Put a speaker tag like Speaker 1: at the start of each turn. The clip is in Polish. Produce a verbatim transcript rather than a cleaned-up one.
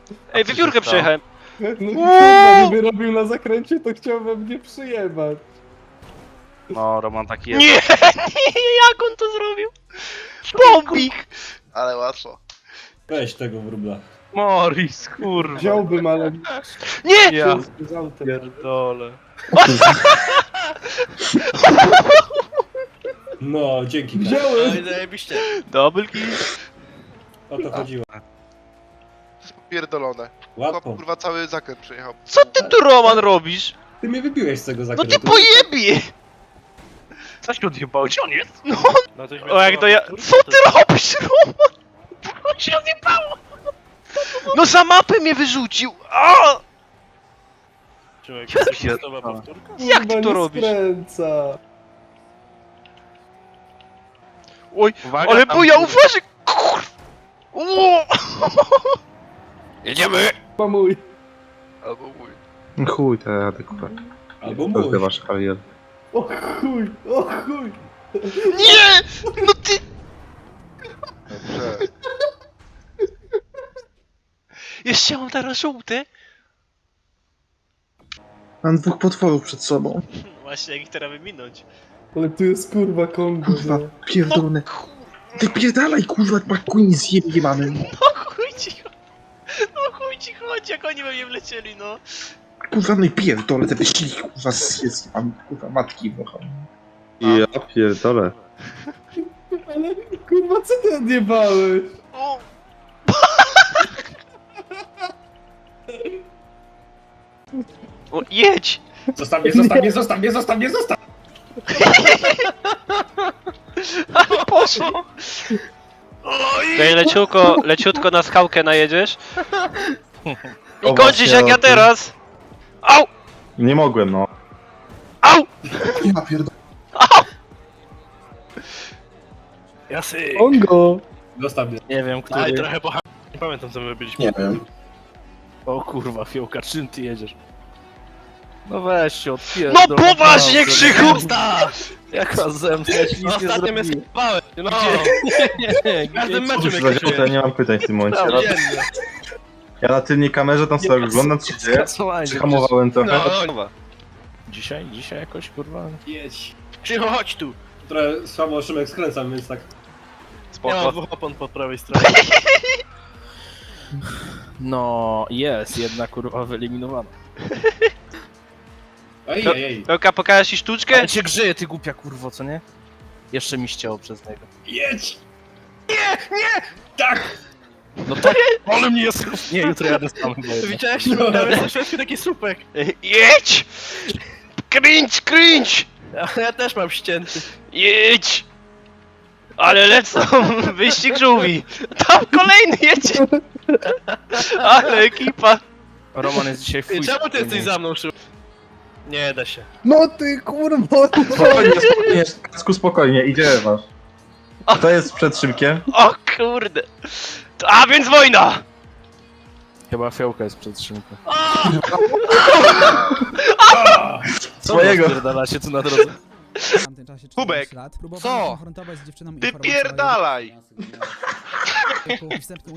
Speaker 1: Ej, wywiórkę przejechałem.
Speaker 2: No kurwa, gdyby robił na zakręcie, to chciał we mnie przyjebać.
Speaker 3: No, Roman taki jest.
Speaker 1: Nie, nie, jak on to zrobił? Bombik!
Speaker 4: Ale łatwo.
Speaker 2: Weź tego wróbla.
Speaker 3: Morris, kurwa.
Speaker 2: Wziąłbym, ale...
Speaker 1: Nie!
Speaker 3: Ja
Speaker 2: Z autem.
Speaker 3: pierdolę.
Speaker 2: No, dzięki.
Speaker 5: No
Speaker 2: Wziąłem!
Speaker 5: i zajebiście.
Speaker 1: Double kill.
Speaker 2: O to chodziło.
Speaker 4: Pierdolone.
Speaker 2: Łatwo.
Speaker 4: Kurwa cały zakręt przejechał.
Speaker 1: Co ty tu, Roman, robisz?
Speaker 2: Ty mnie wybiłeś z tego
Speaker 1: No
Speaker 2: zakrętu.
Speaker 1: ty pojebie!
Speaker 3: Co się odjebało? Gdzie on jest?
Speaker 1: No,
Speaker 5: No to już
Speaker 1: o jak to ja... Co ty robisz, Roman? On się odjebało! No za mapę mnie wyrzucił! A!
Speaker 5: Człowiek,
Speaker 3: Ja
Speaker 5: jesteś
Speaker 3: pierdolę.
Speaker 5: gotowa powtórka?
Speaker 1: Jak ty
Speaker 2: Kurwa,
Speaker 1: to
Speaker 2: nie
Speaker 1: robisz?
Speaker 2: skręca.
Speaker 1: Oj,
Speaker 3: Uwaga,
Speaker 1: ale
Speaker 3: tam-
Speaker 1: buja, uważaj! Kur... Ło!
Speaker 3: Jedziemy!
Speaker 2: Chyba mój.
Speaker 4: Albo mój.
Speaker 6: Chuj, te jadę, kurwa.
Speaker 2: Albo mój.
Speaker 6: Rozgrywasz karierę.
Speaker 2: O chuj, o chuj.
Speaker 1: Nie! No ty...
Speaker 4: Dobrze.
Speaker 1: Jeszcze mam teraz żółte?
Speaker 6: Mam dwóch potworów przed sobą.
Speaker 1: Właśnie, jak ich teraz wyminąć.
Speaker 2: Ale tu jest kurwa Kongo,
Speaker 6: Kurwa,
Speaker 2: nie?
Speaker 6: pierdolone. Wypierdalaj, kurwa, McQueen z jebany.
Speaker 1: No chuj ci chodzi. No chuj ci chodzi, jak oni we mnie wlecieli, no.
Speaker 6: Kurwa, no i pierdolę te wyścigi, kurwa, z jest mam, kurwa, matki, bocha.
Speaker 7: Ja pierdolę.
Speaker 2: Ale kurwa, co ty odjebałeś?
Speaker 1: O! O, jedź!
Speaker 2: Zostaw mnie, zostaw mnie, zostaw mnie, zostaw mnie, zostaw!
Speaker 1: Ale poszło! Tutaj leciutko, leciutko na skałkę najedziesz. I
Speaker 7: O,
Speaker 1: kończysz
Speaker 7: właśnie,
Speaker 1: jak
Speaker 7: o
Speaker 1: ja
Speaker 7: tym.
Speaker 1: teraz! Au!
Speaker 7: Nie mogłem, no.
Speaker 1: Au!
Speaker 6: Ja pierdolę.
Speaker 3: Jasy!
Speaker 2: Kongo! Zostaw mnie.
Speaker 3: Nie wiem, który...
Speaker 5: Aj, trochę pocha... Nie pamiętam co my robiliśmy.
Speaker 6: Nie wiem.
Speaker 3: O kurwa, fiołka, czym ty jedziesz? No weź się,
Speaker 1: No
Speaker 3: odpierdol.
Speaker 1: poważnie,
Speaker 3: naprawdę.
Speaker 1: Krzychu!
Speaker 3: Jaka zemsta, ja ci
Speaker 5: No
Speaker 3: nic nie
Speaker 5: ostatnio mnie
Speaker 3: zrobiłem.
Speaker 5: skapałem. No,
Speaker 3: Nie,
Speaker 5: w każdym meczu
Speaker 7: Cóż,
Speaker 5: mnie
Speaker 7: za
Speaker 5: krzyżuje.
Speaker 7: ja nie mam pytań w tym momencie. Ja,
Speaker 5: Codziennie.
Speaker 7: ja na tylnej kamerze tam sobie oglądam, co się dzieje.
Speaker 3: Skasowanie.
Speaker 7: Przyhamowałem trochę.
Speaker 5: No, no.
Speaker 3: Dzisiaj, dzisiaj jakoś kurwa...
Speaker 2: Jedź.
Speaker 5: Krzychu, chodź tu.
Speaker 2: Trochę słabo Szymek skręcam, więc tak...
Speaker 5: Ja mam
Speaker 1: Spoko.
Speaker 5: dwóch opon po prawej stronie.
Speaker 3: No, jest, jedna kurwa wyeliminowana.
Speaker 2: Ej,
Speaker 1: No.
Speaker 2: ej, ej.
Speaker 1: Pełka, pokażesz ci sztuczkę?
Speaker 3: Ale cię grzeje, ty głupia kurwo, co nie? Jeszcze mi ścięło przez niego.
Speaker 2: Jedź! Nie, nie! Tak!
Speaker 3: No tak, ale mnie jest... Nie, jutro jadę sam chyba jednak.
Speaker 5: Widziałeś? Tam jest na środku taki słupek.
Speaker 1: Jedź! Cringe, cringe!
Speaker 5: Ja, ja też mam ścięty.
Speaker 1: Jedź! Ale lecą! Wyścig żółwi! Tam kolejny jedzie! Ale ekipa!
Speaker 3: Roman jest dzisiaj
Speaker 5: I
Speaker 3: fuj.
Speaker 5: czemu ty jesteś za mną, Krzychu? Nie da się.
Speaker 2: No ty kurwa!
Speaker 7: Spokojnie, spokojnie, Kasku, spokojnie, idziemy masz. Kto jest przed szybkiem?
Speaker 1: O kurde! A więc wojna!
Speaker 3: Chyba fiołka jest przed szynką. Co
Speaker 7: Swojego.
Speaker 3: rozpierdalacie tu na drodze?
Speaker 8: W tamtym czasie
Speaker 4: Kubek,
Speaker 8: czternaście lat. Próbowałem
Speaker 4: co?
Speaker 8: konfrontować z dziewczyną
Speaker 4: Ty
Speaker 8: informacją o
Speaker 4: pierdalaj!
Speaker 8: jej wstępnym